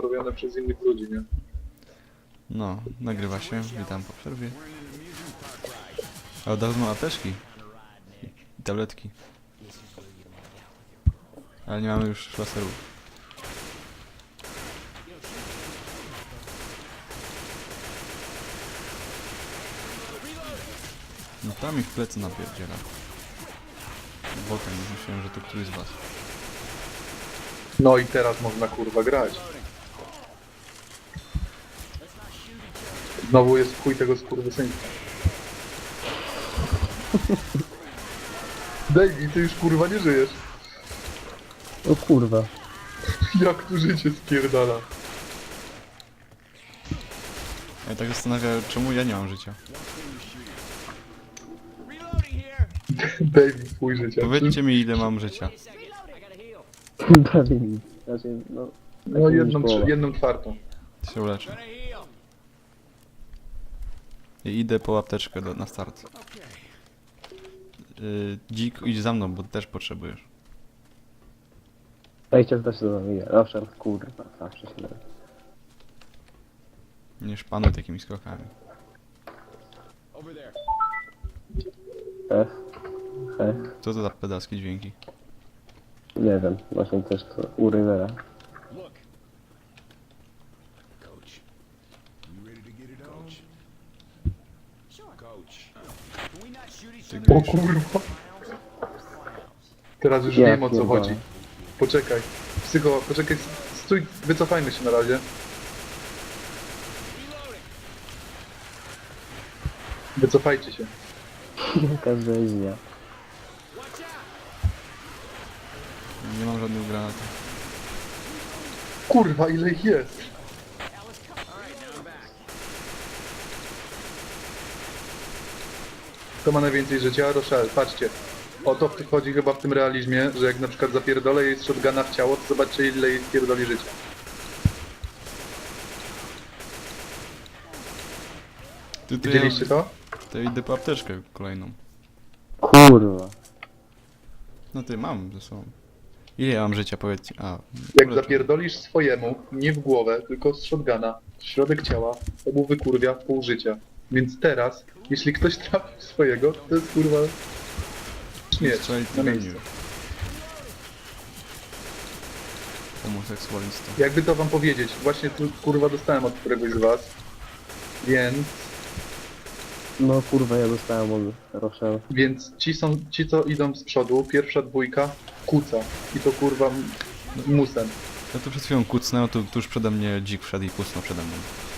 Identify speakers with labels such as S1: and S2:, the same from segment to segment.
S1: robione przez innych ludzi, nie?
S2: No, nagrywa się. Witam po przerwie. A od razu mam apteczki. I tabletki. Ale nie mamy już laserów. No tam ich w plecy napierdziela. Bokiem, myślałem, że to któryś z was.
S1: No i teraz można kurwa grać. Znowu jest chuj tego skurwysyństwa. Davey, ty już kurwa nie żyjesz.
S3: O kurwa.
S1: Jak tu życie spierdala.
S2: Ja tak zastanawiam, czemu ja nie mam życia.
S1: Davey, chuj życia.
S2: Powiedzcie mi, ile mam życia.
S3: Prawie nic. Znaczy, no...
S1: No
S3: połowa.
S1: jedną czwartą.
S2: Się uleczę. I idę po apteczkę na start. Dzik, idź za mną, bo też potrzebujesz.
S3: Wejście też do mnie. Owszem, kurwa, zawsze się da.
S2: Nie szpanuj takimi skokami.
S3: F. F.
S2: Co to za pedalskie dźwięki?
S3: Nie wiem, właśnie też to u Rivera.
S4: Coach, you ready to get it on? Coach, can we not shoot each
S1: O
S4: other?
S1: kurwa. Teraz już
S3: Ja
S1: wiem, o co
S3: pierdolę.
S1: chodzi. Poczekaj. Psycho, poczekaj, stój, wycofajmy się na razie. Wycofajcie się.
S3: Jaka rzeźnia.
S2: Nie mam żadnych granatów.
S1: Kurwa, ile ich jest? Kto ma najwięcej życia? Rochelle, patrzcie. O to chodzi chyba w tym realizmie, że jak na przykład zapierdolę jej z shotguna w ciało, to zobaczcie ile jej pierdoli życia.
S2: Ty, to
S1: Widzieliście to?
S2: To idę po apteczkę kolejną.
S3: Kurwa.
S2: No ty, mam ze sobą. Ile ja mam życia, powiedzcie? A,
S1: Jak
S2: uleczę.
S1: zapierdolisz swojemu, nie w głowę, tylko z shotguna, w środek ciała, to mu wykurwia pół życia. Więc teraz, jeśli ktoś trafi w swojego, to jest kurwa śmierć
S2: Strzelić
S1: na
S2: nie
S1: miejscu.
S2: będzie. Homoseksualista.
S1: Jakby to wam powiedzieć, właśnie tu kurwa dostałem od któregoś z was, więc
S3: No kurwa, ja dostałem od Rochelle.
S1: ci co idą z przodu, pierwsza dwójka kuca i to kurwa musem.
S2: Ja tu przed chwilą kucnąłem, tu tuż przede mnie dzik wszedł i kucnął przede mną.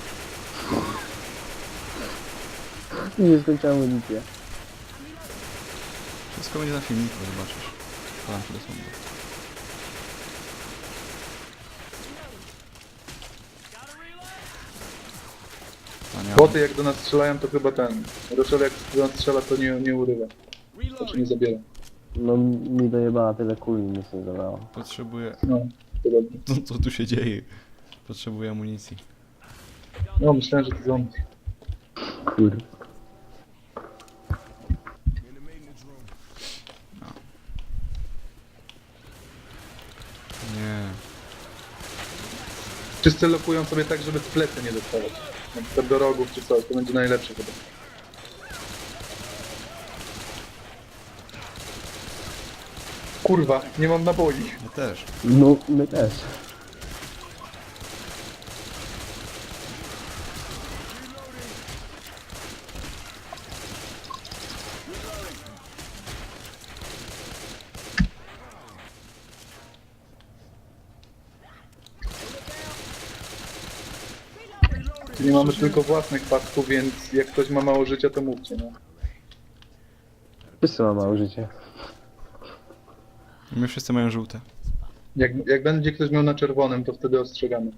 S3: Nie skończyłem amunicję.
S2: Wszystko będzie na filmiku, zobaczysz. Podam ci do sądu. A nie,
S1: Boty jak do nas strzelają, to chyba ten. Rochelle jak do nas strzela, to nie urywa. Znaczy nie zabiera.
S3: No mi dojebała tyle kuli, nic nie zabrało.
S2: potrzebuję...
S1: No, to dobrze.
S2: Co tu się dzieje? Potrzebuję amunicji.
S1: No, myślałem, że to zombie.
S3: Kurwa.
S4: In the maintenance room.
S2: Nie.
S1: Wszyscy lokują sobie tak, żeby w plecy nie dostawać. Na przykład do rogów czy coś, to będzie najlepsze chyba. Kurwa, nie mam naboi.
S2: Ja też.
S3: No, my też.
S1: Nie mamy tylko własnych pasków, więc jak ktoś ma mało życia, to mówcie, no.
S3: Wszyscy ma małe życie.
S2: My wszyscy mają żółte.
S1: Jak będzie ktoś miał na czerwonym, to wtedy ostrzegamy.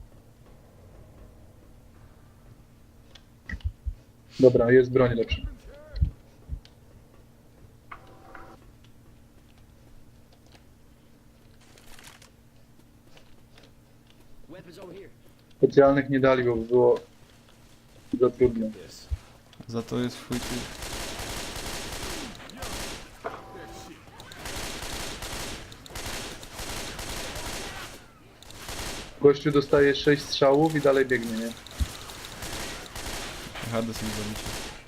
S1: Dobra, jest broń lepsza. Specjalnych nie dali, bo by było za trudno.
S2: Za to jest twój typ.
S1: Gościu dostaje 6 strzałów i dalej biegnie, nie?
S2: Hades mi zabicie.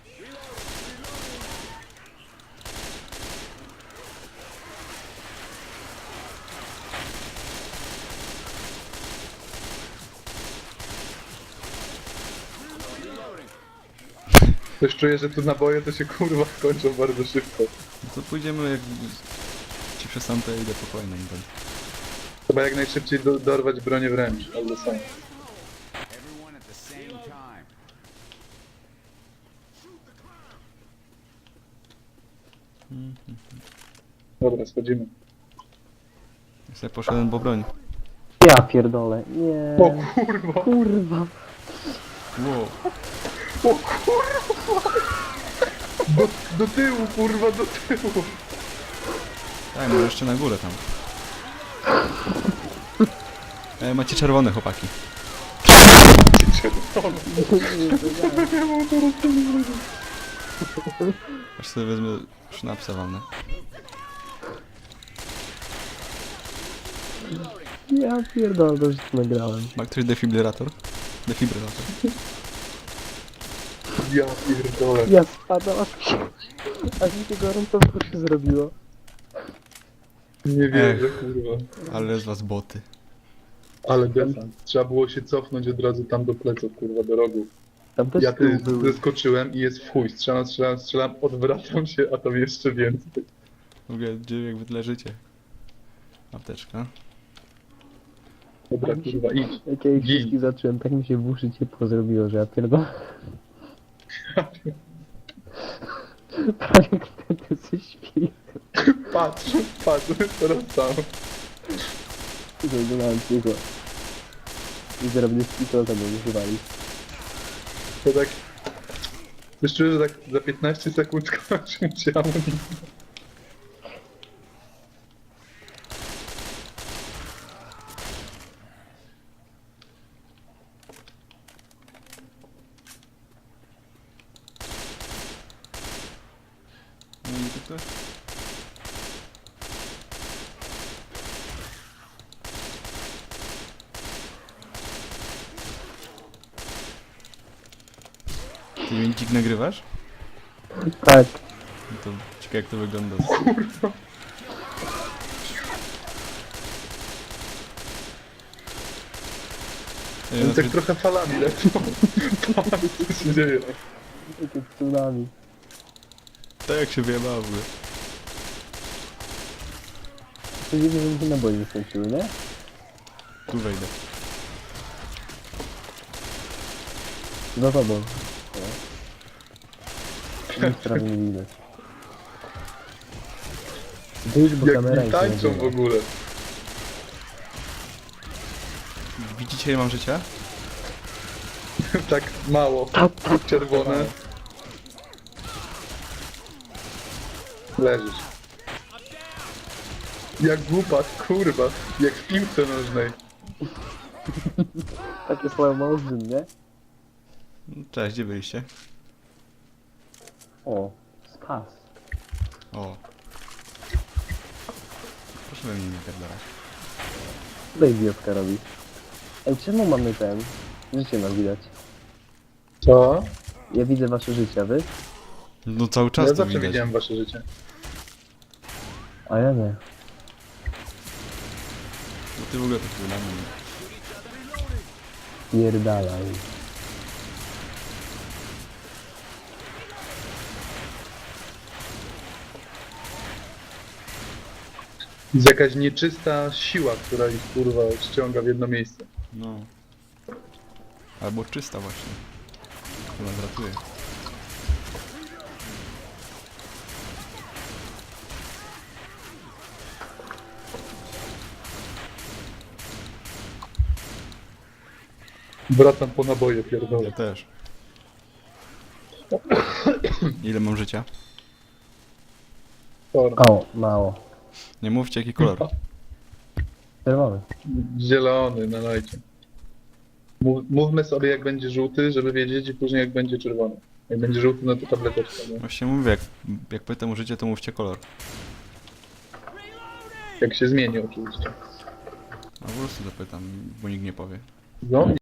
S1: Też czuję, że tu naboje to się kurwa kończą bardzo szybko.
S2: No to pójdziemy jak... Ci przestanę, to ja idę po kolejną broń.
S1: Trzeba jak najszybciej dorwać bronię wręcz, albo sam.
S4: Everyone at the same time.
S1: Dobra, schodzimy.
S2: Ja sobie poszedłem po broń.
S3: Ja pierdolę. Nie.
S1: O kurwa!
S3: Kurwa.
S2: Wow.
S1: O kurwa! Do tyłu, kurwa, do tyłu!
S2: Tak, może jeszcze na górę tam. Macie czerwone chłopaki. Aż sobie wezmę sznapsa walnę.
S3: Ja pierdolę, to już nagrałem.
S2: Ma ktoś defibrylator? Defibrylator.
S1: Ja pierdolę.
S3: Ja spadam, aż mi się gorąco w uszy zrobiło.
S1: Nie wierzę, kurwa.
S2: Ale z was boty.
S1: Ale desant. Trzeba było się cofnąć od razu tam do pleców, kurwa, do rogu.
S3: Tam też
S1: Ja
S3: tył
S1: ty
S3: były.
S1: zeskoczyłem i jest w chuj. Strzelam, odwracam się, a tam jeszcze więcej.
S2: W ogóle, gdzie jak wy leżycie? Apteczka.
S1: Dobra, kurwa, idź.
S3: Jak ja ich
S1: Gin.
S3: wszystkich zacząłem, tak mi się w uszy ciepło zrobiło, że ja pierdolę. Prawie wtedy się śpi.
S1: Patrz, teraz tam.
S3: Zaglądałem cicho. I zaraz będzie spito za mną używali.
S1: To tak... Wiesz, czuję, że tak za 15 sekund kończy się amunicja.
S2: No i tu ktoś? Ty Mięcik nagrywasz?
S3: Tak.
S2: No to ciekawe jak to wygląda.
S1: Więc
S2: No
S1: tak trochę falami lecą. Patrz, co się dzieje.
S3: Takie tsunami.
S2: tak jak się wyjebało w ogóle.
S3: To dziwne, że mi się naboje nie skończyły, nie?
S2: Tu wejdę.
S3: Za tobą. Nic prawie nie widać. Wyjdź, bo
S1: Jak
S3: kamera
S1: mi
S3: i się
S1: tańczą w
S3: nagrywa.
S1: ogóle.
S2: Widzicie ile mam życia?
S1: Tak mało. Czerwone. Leżysz. Jak głupat, kurwa. Jak w piłce nożnej.
S3: Takie slow motion, nie?
S2: Cześć, gdzie byliście?
S3: O, spas.
S2: O. Proszę we mnie nie pierdolać.
S3: Co idiotka robi? Ej, czemu mamy ten? Życie nas widać.
S1: Co?
S3: Ja widzę wasze życie, wy?
S2: No cały czas
S1: Ja
S2: to
S1: zawsze
S2: widać.
S1: widziałem wasze życie.
S3: A ja nie.
S2: No ty w ogóle to chwilę mnie.
S3: Pierdalaj.
S1: Jest jakaś nieczysta siła, która ich kurwa ściąga w jedno miejsce.
S2: No. Albo czysta właśnie. To nas ratuje.
S1: Wracam po naboje, pierdolę.
S2: Ja też. Ile mam życia?
S3: O, mało.
S2: Nie mówcie jaki kolor.
S3: Czerwony.
S1: Zielony, nalajcie. Mówmy sobie jak będzie żółty, żeby wiedzieć i później jak będzie czerwony. Jak będzie żółty, no to tableteczka. Nie?
S2: Właśnie mówię, jak pytam o życie, to mówcie kolor.
S1: Jak się zmieni oczywiście.
S2: A po prostu zapytam, bo nikt nie powie.
S3: No,